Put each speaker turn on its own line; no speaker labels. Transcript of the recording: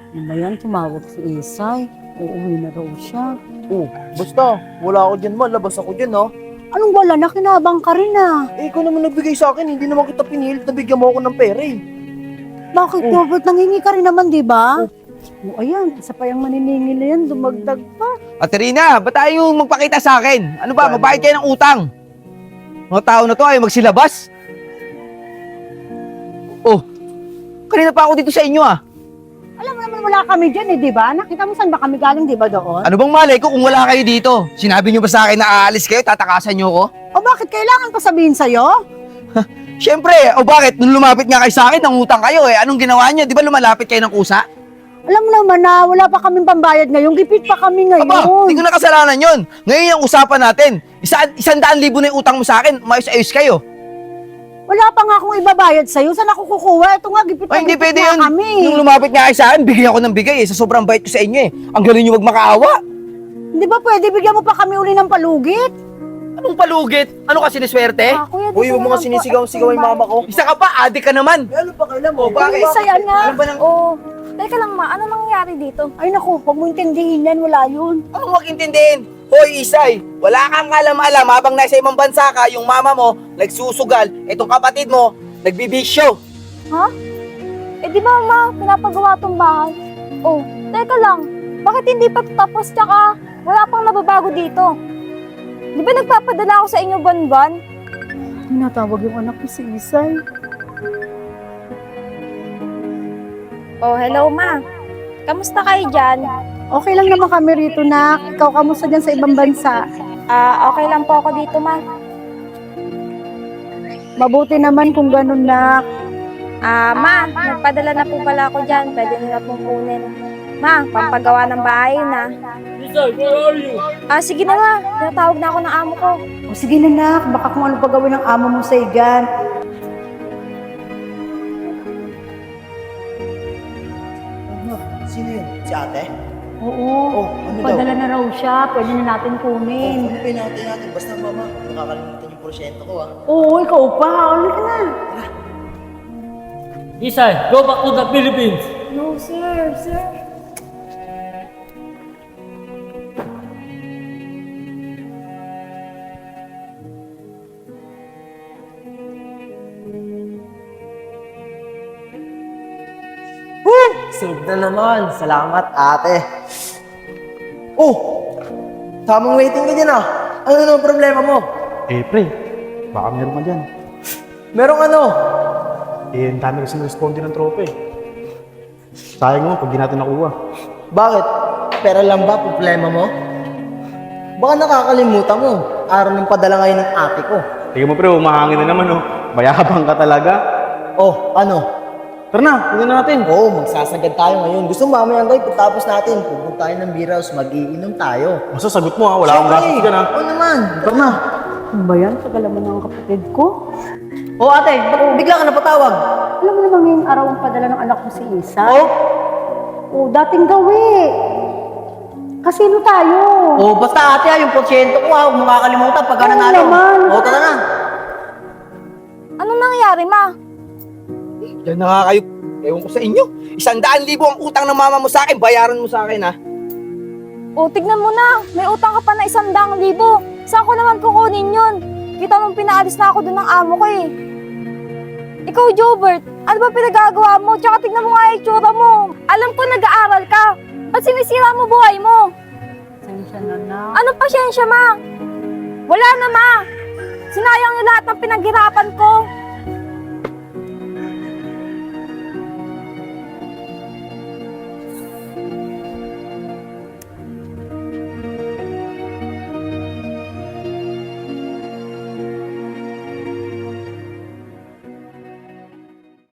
Ano ba yan? Tumawag si Isay. Uuwi na raw siya.
Oh, basta, wala ako dyan man, labas ako dyan ha.
Anong wala? Nakinabang ka rin ah.
Eh, ikaw naman nagbigay sa akin, hindi naman kita pinilit na bigyan mo ako ng pera eh.
Bakit, Robert? Nangingi ka rin naman, di ba? Ayan, isa pa yung maniningil na yan. Dumagdag pa.
Aterina, ba't tayo magpakita sa akin? Ano ba, magbayad kayo ng utang? Mga tao na to ay magsilabas? Oh, kanina pa ako dito sa inyo ah.
Alam mo naman wala kami dyan eh, di ba? Nakita mo saan ba kami galing, di ba doon?
Ano bang malay ko kung wala kayo dito? Sinabi niyo ba sa akin na aalis kayo, tatakasan niyo ko?
O bakit kailangan pa sabihin sa'yo?
Siyempre, o bakit? Nung lumapit nga kayo sa akin, nangutang kayo eh. Anong ginawa niyo? Di ba lumalapit kayo ng kusa?
Alam mo naman na wala pa kaming pambayad ngayon. Gipit pa kami ngayon.
Aba, hindi ko na kasalanan yun. Ngayon yung usapan natin. 100,000 na yung utang mo sa akin, maayos-ayos kayo.
Wala pa nga akong ibabayad sa'yo. Saan ako kukuha? Ito nga, gipit
Ay, hindi pwede
nga
yun.
kami.
Nung lumapit nga kayo sa akin, bigyan ako ng bigay eh. Sa sobrang bait ko sa inyo eh. Ang galing nyo magmakaawa.
Hindi ba pwede bigyan mo pa kami uli ng palugit?
Anong palugit? Ano ka siniswerte?
Kuya,
Uy, huwag mo nga sinisigaw-sigaw yung mama ko.
Isa ka pa, adik ka naman.
Eh, ano pa kailan mo?
Bakit?
Ay, saya na.
Ano ba nang...
Oh, teka lang ma, ano nangyayari dito?
Ay naku, huwag mo intindihin yan. Wala yun.
Anong wag intindihin? Hoy, Isay, wala kang alam-alam habang nasa ibang bansa ka, yung mama mo, nagsusugal, itong kapatid mo, nagbibisyo.
Ha? Eh di ba ma, pinapagawa tong bahay? Oh, teka lang, bakit hindi pa tapos tsaka wala pang nababago dito? Di ba nagpapadala ako sa inyo buwan-buwan?
Tinatawag yung anak ko si Isay.
Oh, hello ma. Kamusta kayo dyan?
Okay lang naman kami rito, nak. Ikaw, kamusta dyan sa ibang bansa?
Okay lang po ako dito ma.
Mabuti naman kung ganun, nak.
Ma, nagpadala na po pala ako dyan. Pwede nyo na pong kunin. Ma, pampagawa ng bahay na.
Isay, where are you?
Sige na ma, tinatawag na ako ng amo ko.
O sige na, nak. Baka kung ano pa gawin ng amo mo sa igan.
Sino yun? Si ate?
Oo.
Oh, ano daw?
Padala na raw siya. Pwede na natin
Oh,
kunin.
ano pinatay natin? Basta mama, nakakalimutan yung porsyento ko ah.
Oo, ikaw pa. Ulit ka na.
Isay, go back to the Philippines.
No sir, sir.
Save na naman. Salamat, ate. Oh! Tamang waiting ka dyan ah. Ano naman problema mo?
Eh, pre, baka meron ka dyan.
Merong ano?
Eh, ang dami kasi responde ng tropa eh. Sayang mo, pag di natin nakuha.
Bakit? Pera lang ba problema mo? Baka nakakalimutan mo. Araw ng padala ngayon ng ate ko.
Tingnan mo, pre, umahangin na naman, oh. Mayabang ka talaga.
Oh, ano?
Tara na, tingnan natin.
Oo, magsasagad tayo ngayon. Gusto mo mamayang gabi, pagtapos natin, pupunta tayo ng beer house, mag-iinom tayo.
Basta sagot mo, ha. Wala akong gastos ka na.
Oo naman.
Tara na.
Ano ba yan? Tagal naman ng kapatid ko.
Oo ate, ba't bigla ka napatawag?
Alam mo naman ngayong araw ang padala ng anak ko si Isa?
Oo?
Oo, dating gawi. Kasino tayo?
Oo, basta ate yung porsyento ko ha, huwag mo kakalimutan pagka
Oo
nanalo.
naman.
Oo, tara na.
Anong nangyayari ma?
Yan na nga kayo. Ewan ko sa inyo. 100,000 ang utang ng mama mo sa akin, bayaran mo sa akin ha.
Oh, tignan mo na. May utang ka pa na 100,000. Saan ko naman kukunin yun? Kita mong pinaalis na ako dun ng amo ko eh. Ikaw, Jobert, ano ba pinagagawa mo? Tsaka tignan mo nga yung itsura mo. Alam ko nag-aaral ka. Ba't sinisira mo buhay mo?
Sensya na, nak.
Anong pasyensya, ma? Wala na, ma. Sinayang yung lahat ng pinaghirapan ko.